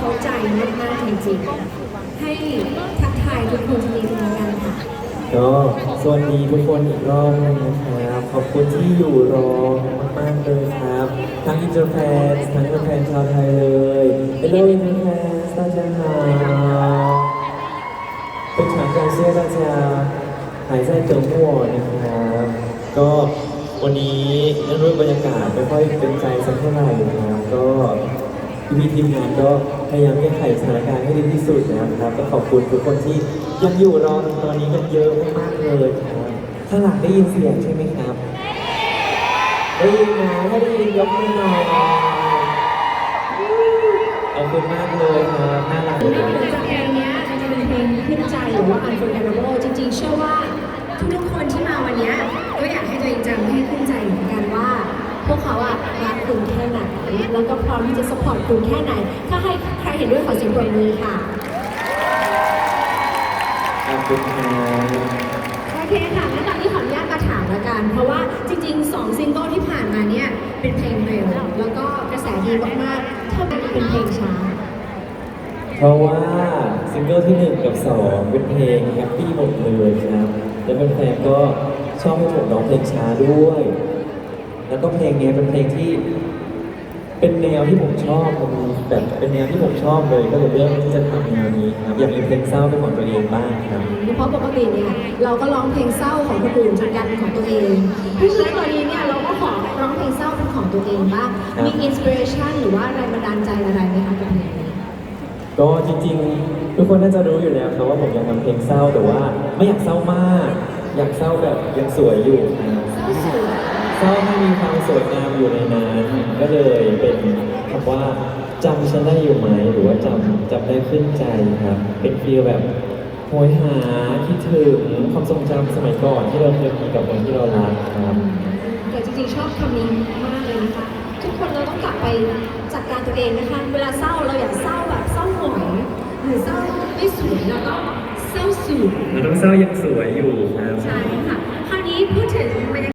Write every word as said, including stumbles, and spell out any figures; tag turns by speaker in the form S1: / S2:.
S1: เข้าใจมากๆจริงๆให้ทักทายทุกคนทีนึงแล้วกันค่ะ
S2: ก็สวัสดีทุกคนอีกรอบนึงนะครับขอบคุณที่อยู่รอมากๆเลยครับทั้งอินเตอร์แฟนทั้งแฟนชาวไทยเลย Hello อินเตอร์แฟน大家好非常感谢大家还在等我นะครับก็วันนี้เนื่องด้วยบรรยากาศไม่ค่อยเป็นใจสักเท่าไหร่นะครับก็พี่ทีมงานก็พยายามแก้ไขสถานการณ์ให้ดีที่สุดนะครับก็ขอบคุณทุกคนที่ยังอยู่รอตอนนี้กันเยอะมากๆเลยครับข้างหลังได้ยินเสียงใช่ไหมครับได้ยินนะถ้าได้ยินยกมือหน่อยขอบคุณมากเลยครับน่ารัก
S1: นอกเหนือจากเพลงนี้จริงๆเป็นเพลงขึ้นใจหรือว่า Unforgettable จริงๆเชื่อว่าทุกๆคนที่มาวันนี้ก็อยากให้ตัวเองจำให้ขึ้นใจเหมือนกันว่า พวกเขาอะรักคุณแค่ไหนแล้วก็พร้อมที่จะสปอร์ตคุณแค่ไหนถ้าให้ใครเห็นด้วยขอเสียงปรบมือค่ะ
S2: ขอบคุณครับ
S1: โอเคค่ะงั้นตอนนี้ขออนุญาตมาถามแล้วกัน เพราะว่าจริงๆสองซิงเกิลที่ผ่านมาเนี่ยเป็นเพลงเร็วแล้วก็กระแสดีมากๆถ้าเป็นเป็นเพลงช้า
S2: เพราะว่าซิงเกิลที่หนึ่งกับสองเป็นเพลงแฮปปี้หมดเลยครับแล้วแฟนๆก็ชอบให้ผมร้องเพลงช้าด้วย แล้วก็เพลงนี้เป็นเพลงที่เป็นแนวที่ผมชอบมันแบบเป็นแนวที่ผมชอบเลยก็เลยเลือกที่จะทำแนวนี้ครับอยากมีเพลงเศร้าเป็นของตัวเองบ้างครับ
S1: เพราะปกติเนี่ยเราก็ร้องเพลงเศร้าของคนอื่นจนกลายเป็นของตัวเองเพราะฉะนั้นตอนนี้เนี่ยเราก็ขอร้องเพลงเศร้าเป็นของตัวเองบ้างมีอินสปิเรชันหรือว่าแรงบันดาลใจอะไรไหมคะกับเพลงนี้
S2: ก็จริงๆ ทุกคนน่าจะรู้อยู่แล้วครับว่าผมอยากทำเพลงเศร้าแต่ว่าไม่อยากเศร้ามาก อยากเศร้าแบบยังสวยอยู่ครับ
S1: เศร้าสวย
S2: เศร้าให้มีความสวยงามอยู่ในนั้นก็เลยเป็นคำว่าจำฉันได้อยู่ไหมหรือว่าจำจำได้ขึ้นใจครับ เป็นฟีลแบบโหยหาคิดถึงความทรงจำสมัยก่อนที่เราเคยมีกับคนที่เรารักครับ
S1: แต่จริงๆชอบคำนี้มากเลยนะคะทุกคนเราต้องกลับไปจัดการตัวเองนะคะเวลาเศร้าเราอย่าเศร้าแบบเศร้าหงอยหรือเศร้าไม่สวยเราต้องเศร้าสวย
S2: เราต้องเศร้ายังสวยอยู่ครับ
S1: ใช่ค่ะคราวนี้พูดถึงบรรยากาศ